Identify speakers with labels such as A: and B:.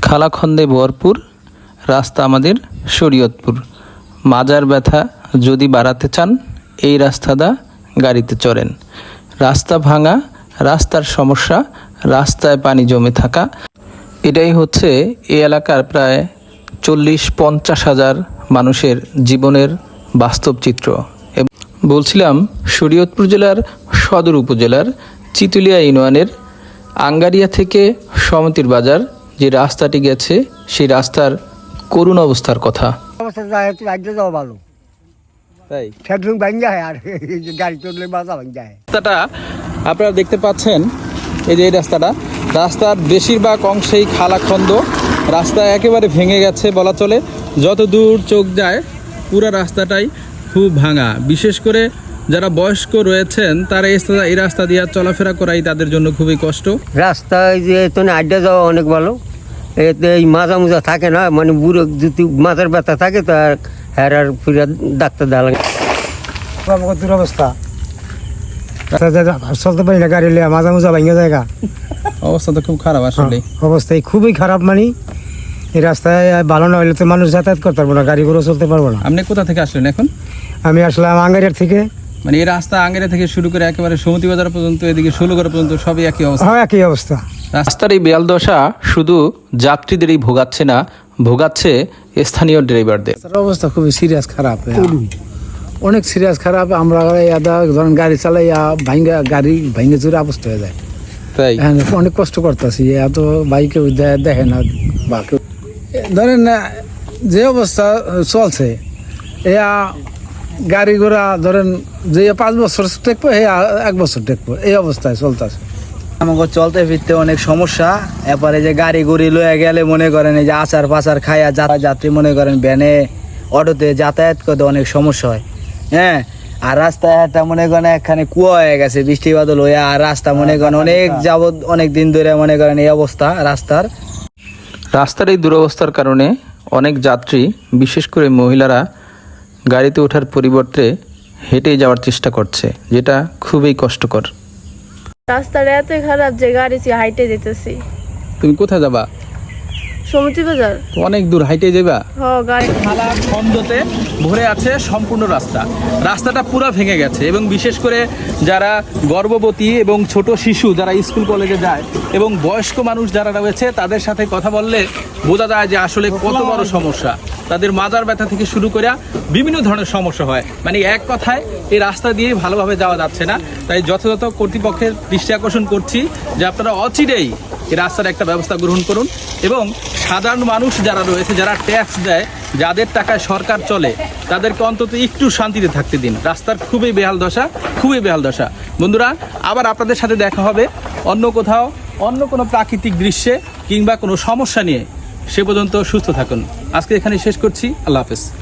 A: খালাখন্দে ভরপুর রাস্তা আমাদের শরীয়তপুর। মাজার ব্যথা যদি বাড়াতে চান এই রাস্তাটা গাড়িতে চড়েন। রাস্তা ভাঙা, রাস্তার সমস্যা, রাস্তায় পানি জমে থাকা, এটাই হচ্ছে এই এলাকার প্রায় 40-50 হাজার মানুষের জীবনের বাস্তব চিত্র। বলছিলাম শরীয়তপুর জেলার সদর উপজেলার চিতুলিয়া ইউনিয়নের আঙ্গারিয়া থেকে সমিতির বাজার যে রাস্তাটি গেছে সেই রাস্তার করুণ অবস্থার কথা।
B: ভালো তাই গাড়ি চললে বাধা ভাঙ যায়।
A: রাস্তাটা আপনারা দেখতে পাচ্ছেন, এই যে এই রাস্তার বেশিরভাগ অংশেই খালাখন্দ, রাস্তা একেবারে ভেঙে গেছে বলা চলে। যত দূর চোখ যায় পুরো রাস্তাটাই খুব ভাঙা। বিশেষ করে যারা বয়স্ক রয়েছেন তারা এই রাস্তা দিয়ে চলাফেরা করাই তাদের জন্য খুবই কষ্ট।
B: রাস্তায় যে আড্ডা যাওয়া অনেক ভালো, এতে এই মাজা মুজা থাকে না, মানে বুড়ো যদি মাথার ব্যথা থাকে তার হ্যার আর ফিরে ডাক্তার দেওয়া লাগে। দুরবস্থা, চলতে পারি না, গাড়ি লিয়ে মাজা মুজা ভাঙে জায়গা,
A: অবস্থা তো খুব খারাপ। আসলে
B: অবস্থায় খুবই খারাপ। মানে এই রাস্তায় ভালো না হলে তো মানুষ যাতায়াত করতে পারবো না, গাড়ি ঘোড়া চলতে পারবো না।
A: আপনি কোথা থেকে আসলেন এখন?
B: আমি আসলাম আঙ্গারিয়ার থেকে।
A: মানে এই রাস্তা আঙ্গারিয়া থেকে শুরু করে একেবারে সমিতি বাজার পর্যন্ত, এদিকে ষোলগড় পর্যন্ত সবই একই অবস্থা।
B: হ্যাঁ, একই অবস্থা।
A: রাস্তার এই বেয়াল দশা শুধু যাত্রীদেরই ভোগাচ্ছে না, ভোগাচ্ছে স্থানীয় ড্রাইভারদের।
C: অবস্থা খুবই সিরিয়াস খারাপ, অনেক সিরিয়াস খারাপ। আমরা ধরেন গাড়ি চালাই গাড়ি ভাঙে চুরে অবস্থা হয়ে যায়।
A: তাই
C: অনেক কষ্ট করতেছি, এত বাইকে দেখে না বা ধরেন যে অবস্থা চলছে, গাড়ি ঘোড়া ধরেন যে 5 বছর টেকবো, 1 বছর টেকবো, এই অবস্থায় চলতেছে।
D: আমাকে চলতে ফিরতে অনেক সমস্যা। এরপরে যে গাড়ি গুড়ি লয়ে গেলে মনে করেন এই যে আচার পাচার খাইয়া যাত্রী মনে করেন ভ্যানে অটোতে যাতায়াত করতে অনেক সমস্যা হয়। হ্যাঁ, আর রাস্তায় একটা মনে করেন একখানে কুয়া হয়ে গেছে বৃষ্টি বাদল হয়ে, আর রাস্তা মনে করেন অনেক দিন ধরে মনে করেন এই অবস্থা রাস্তার
A: এই দুরবস্থার কারণে অনেক যাত্রী, বিশেষ করে মহিলারা গাড়িতে ওঠার পরিবর্তে হেঁটে যাওয়ার চেষ্টা করছে, যেটা খুবই কষ্টকর।
E: রাস্তাটা এত খারাপ যে গাড়ি হাইটে যেতেছি।
A: তুমি কোথায় যাবা?
E: সমিতি বাজার।
A: অনেক দূর হাইটে যাবা?
E: হ্যাঁ, গাড়ি
A: খালাখন্দতে ভরে আছে সম্পূর্ণ রাস্তাটা পুরো ভেঙে গেছে। এবং বিশেষ করে যারা গর্ভবতী এবং ছোট শিশু যারা স্কুল কলেজে যায় এবং বয়স্ক মানুষ যারা রয়েছে তাদের সাথে কথা বললে বোঝা যায় যে আসলে কত বড় সমস্যা। তাদের মাজার ব্যথা থেকে শুরু করে বিভিন্ন ধরনের সমস্যা হয়। মানে এক কথায় এই রাস্তা দিয়ে ভালোভাবে যাওয়া যাচ্ছে না। তাই যথাযথ কর্তৃপক্ষের দৃষ্টি আকর্ষণ করছি যে আপনারা অচিরেই এই রাস্তার একটা ব্যবস্থা গ্রহণ করুন এবং সাধারণ মানুষ যারা রয়েছে, যারা ট্যাক্স দেয়, যাদের টাকায় সরকার চলে, তাদেরকে অন্তত একটু শান্তিতে থাকতে দিন। রাস্তার খুবই বেহাল দশা। বন্ধুরা, আবার আপনাদের সাথে দেখা হবে অন্য কোথাও, অন্য কোনো প্রাকৃতিক দৃশ্যে কিংবা কোনো সমস্যা নিয়ে। সে পর্যন্ত সুস্থ থাকুন। আজকে এখানে শেষ করছি। আল্লাহ হাফেজ।